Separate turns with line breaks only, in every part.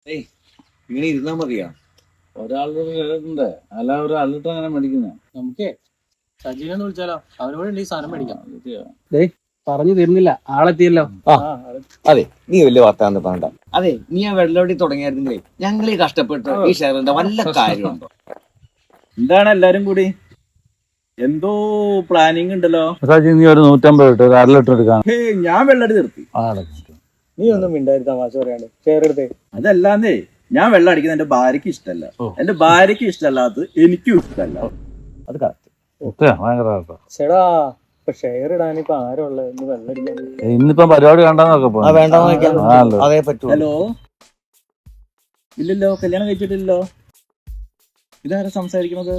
ഇങ്ങനെ ഇരുന്നാ മതിയാ?
ഒരാളുടെ കേട്ടിട്ടുണ്ട്, അല്ല ഒരാളിട്ട് അങ്ങനെ മേടിക്കുന്ന.
നമുക്കേ സജീവനെ വിളിച്ചാലോ? അവനോട് ഈ സാധനം മേടിക്കാം.
പറഞ്ഞു തരുന്നില്ല, ആളെത്തിയല്ലോ.
അതെ, നീ വലിയ വർത്താനം പറയണ്ട. അതെ, നീ ആ വെള്ളവടി തുടങ്ങിയായിരുന്നെങ്കിലേ ഞങ്ങളീ കഷ്ടപ്പെട്ട് ഈ ഷെയറിന്റെ വല്ല കാര്യമുണ്ടോ?
എന്താണ് എല്ലാരും കൂടി എന്തോ പ്ലാനിങ് ഉണ്ടല്ലോ?
നീ ഒരു 150 ഇട്ട് 1/2 ലിറ്റർ എടുക്കാം.
ഞാൻ വെള്ളടി നിർത്തി.
നീ ഒന്നും മിണ്ടായി തമാശ പറയാണ്ട് ഷെയർ എടുത്തേ.
അതല്ലാന്നേ, ഞാൻ വെള്ളം അടിക്കുന്നത് എന്റെ ഭാര്യക്ക് ഇഷ്ടമല്ല. എന്റെ ഭാര്യക്ക് ഇഷ്ടമല്ലാത്തത് എനിക്കും ഇഷ്ടമല്ല. അത് കറക്റ്റ്.
ചേടാ, ഇപ്പൊ ഷെയർ ഇടാനിപ്പോ ആരുള്ള വെള്ളം അടിക്കാൻ?
ഇന്നിപ്പം പരിപാടി കണ്ടെന്നൊക്കെ
അതേ പറ്റൂ.
ഹലോ, ഇല്ലല്ലോ, കല്യാണം കഴിച്ചിട്ടില്ലല്ലോ. ഇതാരാ സംസാരിക്കുന്നത്?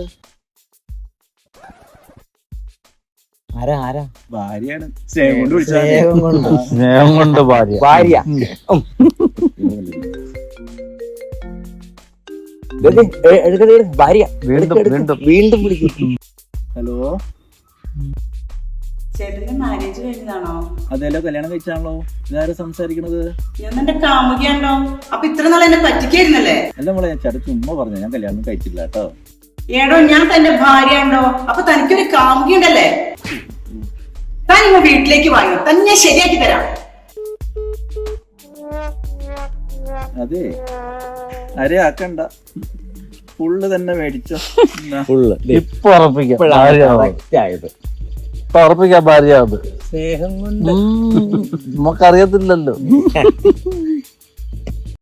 ആരാ?
ഭാര്യയാണ്. സ്നേഹം കൊണ്ട് വിളിച്ചാൽ
സ്നേഹം കൊണ്ട്
ഭാര്യ. ഭാര്യ വീണ്ടും വിളിക്കും.
ഹലോ,
ചേട്ടന്റെ മാരേജ് കഴിഞ്ഞതാണോ?
അതെല്ലോ, കല്യാണം കഴിച്ചാണല്ലോ. ഇതാരാ സംസാരിക്കുന്നത്?
ഞാൻ എന്റെ കാമുകിയാണോ? അപ്പൊ ഇത്ര നാൾ എന്നെ പറ്റിക്കായിരുന്നല്ലേ?
അല്ല മോളെ, ഞാൻ ചേട്ടൻ ചുമ്മാ പറഞ്ഞു, ഞാൻ കല്യാണം കഴിച്ചില്ല കേട്ടോ.
ഏടോ, ഞാൻ തന്റെ ഭാര്യയാണോ? അപ്പൊ തനിക്കൊരു കാമുകിയുണ്ടല്ലേ? താൻ ഇങ്ങ വീട്ടിലേക്ക് വാങ്ങി, തന്നെ ശരിയാക്കി തരാം.
അതെ, അരെ ആക്കണ്ട, ഫുള്ള് തന്നെ മേടിച്ചോ.
ഇപ്പൊ ഉറപ്പിക്കാം ഭാര്യ. അത്
സ്നേഹം കൊണ്ട്
നമുക്കറിയത്തില്ലല്ലോ.